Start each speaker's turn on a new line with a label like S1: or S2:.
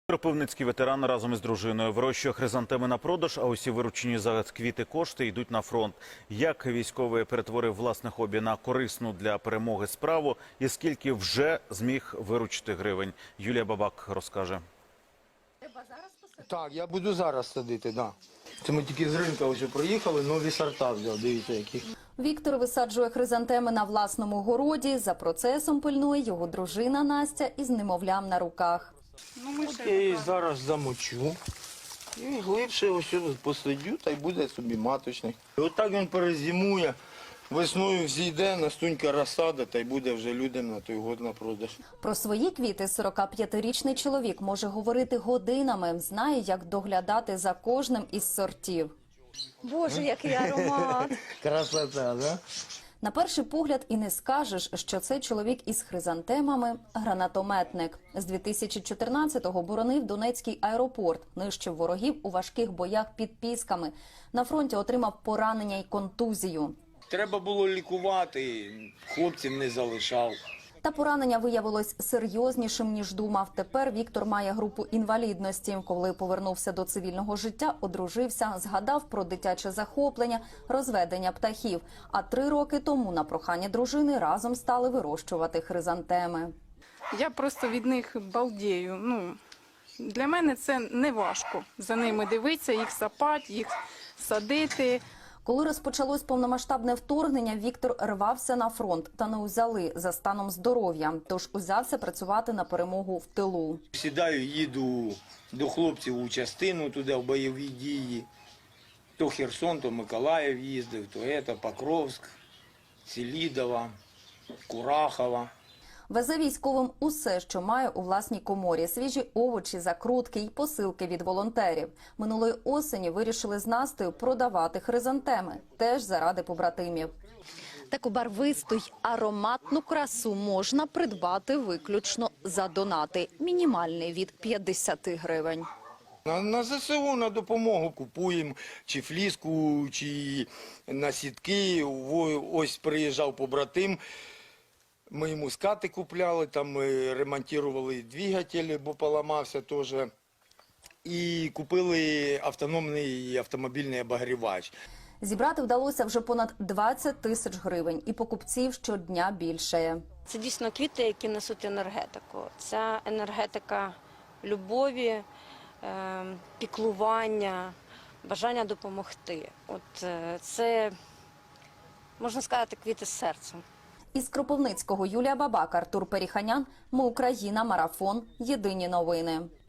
S1: Кропивницький ветеран разом із дружиною вирощує хризантеми на продаж, а усі виручені за квіти кошти йдуть на фронт. Як військовий перетворив власне хобі на корисну для перемоги справу і скільки вже зміг виручити гривень? Юлія Бабак розкаже.
S2: Так, я буду зараз садити, да. Це ми тільки з ринку ось проїхали, нові сорта взяв, дивіться які.
S3: Віктор висаджує хризантеми на власному городі. За процесом пильнує його дружина Настя із немовлям на руках.
S2: От я її зараз замочу і глибше ось посадю, та й буде собі маточник. Отак він перезимує, весною взійде, настунька розсада, та й буде вже людям на той год на продаж.
S3: Про свої квіти 45-річний чоловік може говорити годинами, знає, як доглядати за кожним із сортів.
S4: Боже, який аромат!
S2: Красота, да?
S3: На перший погляд і не скажеш, що це чоловік із хризантемами – гранатометник. З 2014-го боронив Донецький аеропорт, нищив ворогів у важких боях під Пісками. На фронті отримав поранення й контузію.
S2: Треба було лікувати, хлопців не залишав.
S3: Та поранення виявилось серйознішим, ніж думав. Тепер Віктор має групу інвалідності. Коли повернувся до цивільного життя, одружився, згадав про дитяче захоплення, розведення птахів. А 3 роки тому на прохання дружини разом стали вирощувати хризантеми.
S5: Я просто від них балдію. Для мене це не важко. За ними дивитися, їх сапати, їх садити.
S3: Коли розпочалось повномасштабне вторгнення, Віктор рвався на фронт та не узяли за станом здоров'я. Тож узявся працювати на перемогу в тилу.
S2: Сідаю, їду до хлопців у частину туди, в бойові дії. То Херсон, то Миколаїв їздив, то Покровськ, Селідова, Курахова.
S3: Везе військовим усе, що має у власній коморі. Свіжі овочі, закрутки й посилки від волонтерів. Минулої осені вирішили з Настею продавати хризантеми. Теж заради побратимів. Таку барвисту й ароматну красу можна придбати виключно за донати. Мінімальний від 50 гривень.
S2: На ЗСУ на допомогу купуємо чи фліску, чи насідки. Ось приїжджав побратим. Ми йому скати купляли, там ми ремонтували двигатель, бо поламався теж. І купили автономний автомобільний обогрівач.
S3: Зібрати вдалося вже понад 20 тисяч гривень. І покупців щодня більшає.
S4: Це дійсно квіти, які несуть енергетику. Ця енергетика любові, піклування, бажання допомогти. Це, можна сказати, квіти з серцем.
S3: Із Кропивницького Юлія Бабак, Артур Періханян. Ми Україна. Марафон. Єдині новини.